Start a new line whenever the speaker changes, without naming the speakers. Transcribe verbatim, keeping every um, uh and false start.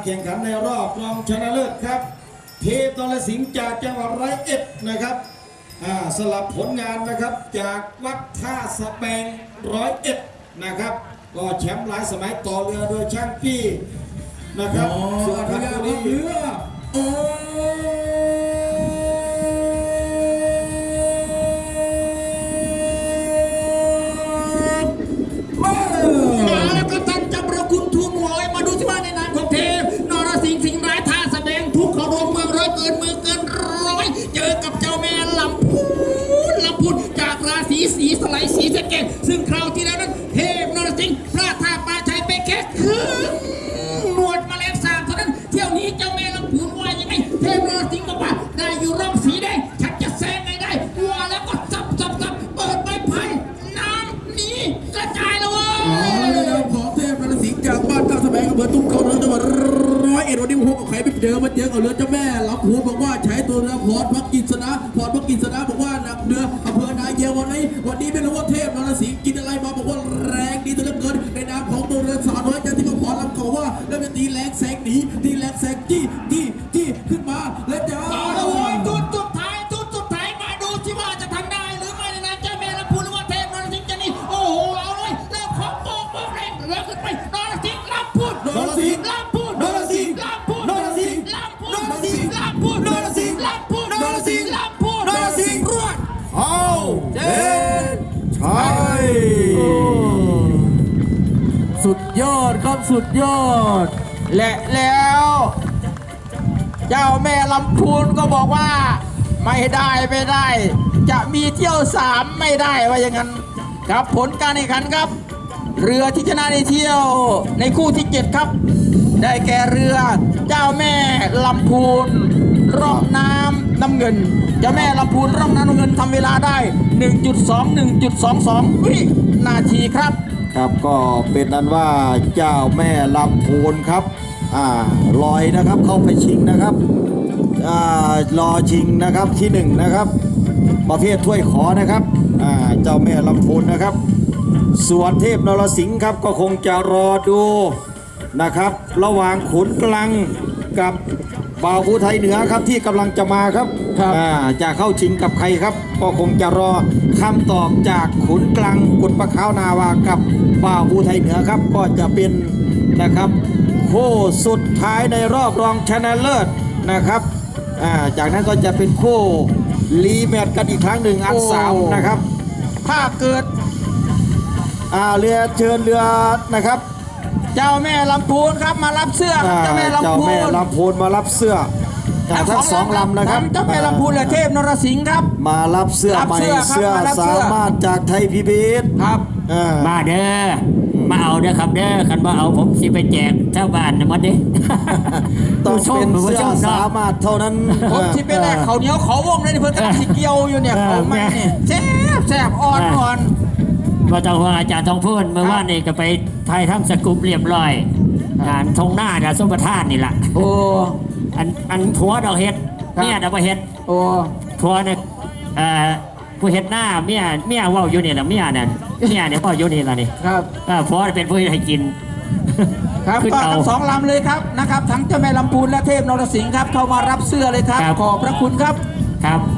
แข่งขันในรอบรองชนะเลิศครับเทพนรสิงห์จากจังหวัดร้อยเอ็ดนะครับสลับผลงานนะครับจากวัดท่าสะแบงร้อยเอ็ดนะครับก็แชมป์หลายสมัยต่อเรือโดยช่างปี้นะครับส่วนทางนี้เรือโอ้
มาแล้วก็ตั้งจำประคุณทูลหัวไว้มาดูสิว่าในนามของเทพนรสิงห์สิงห์ร้ายท่าแสดงทุกขรมเมืองร้อยเกินเมืองเกินร้อยเจอกับเจ้าแม่ลำพูนลำพูนจากราศีสีสไลสีสะเกษซึ่งคราวที่แล้วนั้นเทพนรสิงห์พลาดท่าปลาชัยไปแค่ครึ่งหนวดมาแล้วสามเท่านั้นเที่ยวนี้เจ้าแม่ลำพูนว่ายังไงเทพนรสิงห์บอกว่าได้อยู่ร่องสีแดงฉันจะแซงไงได้วัวแล้วก็จับจับจับเปิดใบพันน้ำนี้กระจายแล้ววะ
ของเทพนรสิงห์จากบ้านท่าสะแบงอำเภอตุ้งเขาจังหวัดร้อยเอ็ดวันนี้พวกกับใครไปเจอมาเจอกับเรือเจ้าแม่ลำพูนบอกว่าใช้ตัวเรือพอดพักกิษณะพอดพักกิษณะบอกว่านักเรืออำเภอนายเยาววันนี้วันนี้ไม่รู้ว่าเทพนรสิงห์กินอะไรมาบอกว่าแรงดีตัวเหลือเกินในนามของตัวเรือสาวน้อยจันทิมาพรลำเขาว่าแล้วจะตีแรงแสงหนีตีแรงแสงจี้จี้จี้ขึ้นมาแล้วจ้า
เอาละโว้ยจุดสุดท้ายจุดสุดท้ายมาดูสิว่าจะทำได้หรือไม่ในนามเจ้าแม่ลำพูนหรือว่าเทพนรสิงห์จะนี่โอ้โหเอาเลยแล้วขอโป๊กโป๊กแรงเรือขึ้นไปนรสิงห์ลำพูนนรสิงห์ลำพูนนรสิงห์ลำพูนนรสิงห์ลำพูนนรสิงห์ลำพูนนรสิงห์ลำพูนนรสิงห์ลำพูนนรสิงห์รวด
เอาเจ็ดใช่สุดยอดครับสุดยอด
และแล้วเจ้าแม่ลำพูนก็บอกว่าไม่ได้ไม่ได้จะมีเที่ยวสามไม่ได้ว่าอย่างนั้นครับผลการแข่งขันครับเรือที่ชนะในเที่ยวในคู่ที่เจ็ดครับได้แก่เรือเจ้าแม่ลำพูนร่องน้ำน้ำเงินเจ้าแม่ลำพูนร่องน้ำน้ำเงินทำเวลาได้ หนึ่งจุดสอง หนึ่งจุดสองสอง วินาทีครับ
ครับก็เป็นนั้นว่าเจ้าแม่ลำพูนครับอ่าลอยนะครับเข้าไปชิงนะครับอ่ารอชิงนะครับที่หนึ่งนะครับประเภทถ้วยขอนะครับอ่าเจ้าแม่ลำพูนนะครับส่วนเทพนรสิงห์ครับก็คงจะรอดูนะครับระหว่างขุนกลังกับบ่าวภูไทยเหนือครับที่กำลังจะมาครับจะเข้าชิงกับใครครับก็คงจะรอคำตอบจากขุนกลังกุฎปะขาวนาวากับบ่าวภูไทยเหนือครับก็จะเป็นนะครับคู่สุดท้ายในรอบรองชนะเลิศนะครับจากนั้นก็จะเป็นคู่รีแมตช์กันอีกครั้งหนึ่งอันสามนะครับ
ถ้าเกิด
เรือเชิญเรือนะครับ
เจ้าแม่ลำพูนครับมารับเสื้อเจ้าแม่ลำพูน
เจ้าแม่ลำพูนมารับเสื้อทั้งสองลำนะครับ
เจ้าแม่ลำพูนและเทพนรสิงห์ครับ
มารับเสื้อใหม่เสื้อสามารถจากไทยพีบีเอส
ครับ
มาเด้อมาเอาเด้อครับเด้อคันว่าเอาผมสิไปแจกชาวบ้านนะมันเด้
ต้องเป็นเสื้อสามารถเท่านั้น
ผมที่เป็นแรกเขาเหนียวเขาวงเลยเพื่อนกันสีเกียวอยู่เนี่ยเขาไม่เนี่ยแซ่บแซ่บอ่อนอ่อน
ว่าต้องว่าอาจารย์ทองพูนเมื่อวานนี่ก็ไปไทยทำสกุปเรียบร้อยงานทงหน้าดาสมประทานนี่แหละ
โอ้
อันอันผัวดอกเห็ดเนี่ยดอกเห็ด
โอ้
ผัวเนี่ยเอ่อผู้เห็ดหน้าเมียเมียว่าอยู่นี่แหละเมียนั่นเมียเนี่ยพ่ออยู่นี่แหละนี่
ครับ
ผัวเป็นผู้ให้กิน
ครับก็ทั้งสองลำเลยครับนะครับทั้งเจ้าแม่ลำพูนและเทพนรสิงห์ครับเข้ามารับเสื้อเลยครับขอบพระคุณครับ
ครับ